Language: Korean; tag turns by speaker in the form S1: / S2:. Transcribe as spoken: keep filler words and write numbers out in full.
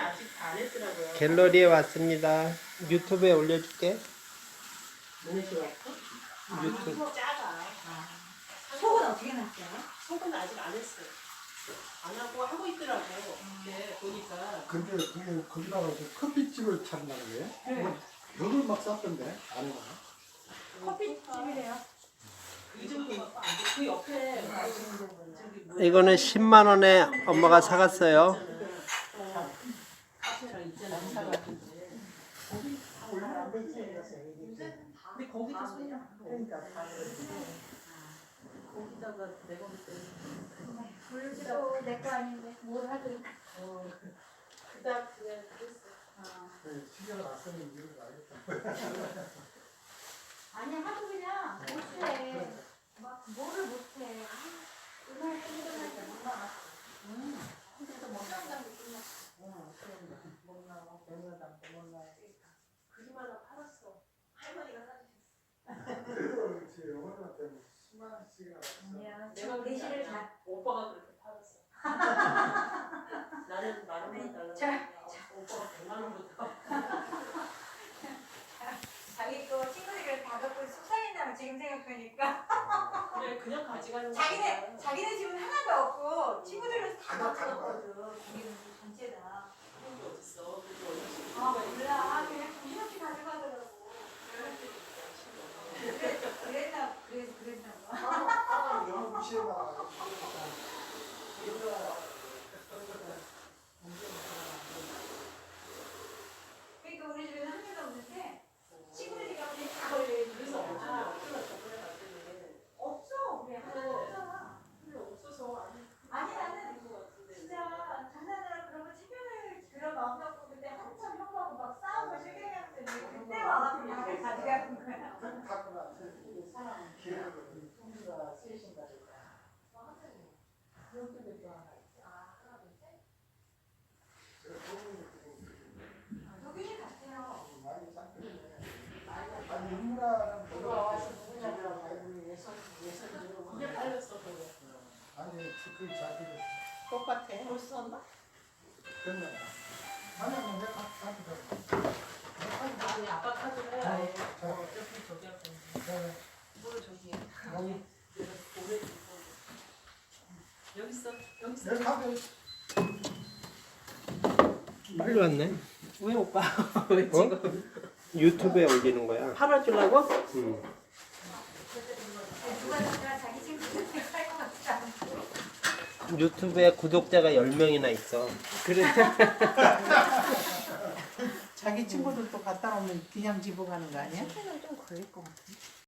S1: 아직 안 했더라고요.
S2: 갤러리에 왔습니다. 유튜브에 올려줄게.
S1: 너네 집 왔어?
S2: 유튜브.
S1: 이거 작아.
S3: 속은 어떻게 났어요?
S1: 속은 아직 안 했어요. 안 하고 하고 있더라고. 근데 보니까
S4: 근데 그게 거기다가 그 커피집을 차린다는 거예요? 네. 벽을 막 쌌던데 안에다가.
S3: 커피집이래요.
S1: 그 정도 갖고 안 돼. 그 옆에 저기 뭐야?
S2: 이거는 십만 원에 엄마가 사갔어요.
S1: 카페랑 있잖아. 거기 다 올라가면 되지. 근데 거기도 소리야. 그러니까 다 거기다가 내가 볼 때는
S3: 물도 내 거 아닌데 뭘 하든.
S1: 어, 그닥 그냥 그랬어.
S4: 그 시계가 낯서는 이유를 알겠다.
S3: 아니 하도 그냥 못해. 막 뭐를 못해. 그날 끝날 때 못 나가. 응. 그래서 못 나간다고 끝났어.
S1: 어, 그럼 못 나와. 백년 남고 못 나와. 그림 하나 팔았어. 할머니가 사주셨어.
S4: 그리고 제 어머님한테 수만 원씩이나
S3: 아니야.
S1: 내가
S3: 저 대시를 다.
S1: 오빠가 그렇게 팔았어. 나는 만 원만 달라고.
S3: 자,
S1: 오빠가 백만 원부터.
S3: 자기 거 친구들이 다 갖고 속상했나봐 지금 생각하니까.
S1: 그래 그냥 가져가는 거야.
S3: 자기네 자기네 집은 하나도 없고 친구들은 다 갖고 왔거든. 자기는 전체 다.
S1: 그런 게 어딨어. 그게 얼마씩
S3: 아 몰라. 그냥 이렇게 가져가더라고. 그래, 그랬나 그래서 그랬나 봐.
S4: 아, 영어 무시해봐.
S3: 그러니까 우리 집에는 한 명도 없는데 친구들이 가면 다 걸려.
S1: 그래서 어쩌나 어쩌나 저번에 갔더니
S3: 없어. 우리 하나도 없잖아.
S1: 별로 없어서 아니
S3: 아니 나는
S1: 것 같은데.
S3: 진짜 장난으로 그러고 체면을 그런 마음 갖고 그때 한참 형하고 막 싸우고 실갱이했는데 그때 와서 그냥 가져가는 거야.
S4: 갔구나.
S5: 사람
S4: 기회를
S5: 통주가 쓰신가 보다. 여기도 또 하나 있어.
S3: 아 하나 둘 셋.
S4: 그
S3: 여기 같아요.
S4: 많이 쌌거든요. 아니 인문화는
S5: 누가 와서 누구냐고 알고 예선 예선
S1: 그냥
S5: 들어보면
S1: 팔렸어 그거.
S4: 아니 그 자기를
S1: 똑같아. 벌써 왔나?
S4: 됐나? 아니 아니 내가 가져가.
S1: 아니 아빠 카드로 해. 아예.
S4: 자,
S1: 어, 어차피 저기 할 건데. 뭘 저기 해.
S4: 여기
S1: 내가 오래 두고. 여기 있어. 여기 있어.
S4: 내 카드
S2: 빨리 왔네.
S1: 왜 오빠? 왜
S2: 어?
S1: 지금?
S2: 유튜브에 올리는 거야.
S1: 팔아주려고?
S2: 응.
S3: 누가 누가 자기 친구들한테 살것 같지 않고.
S2: 유튜브에 구독자가 열 명이나 있어.
S5: 그래. 자기 친구들도 갔다 오면 그냥 집어 가는 거 아니야?
S3: 좀 걸릴 것 같아.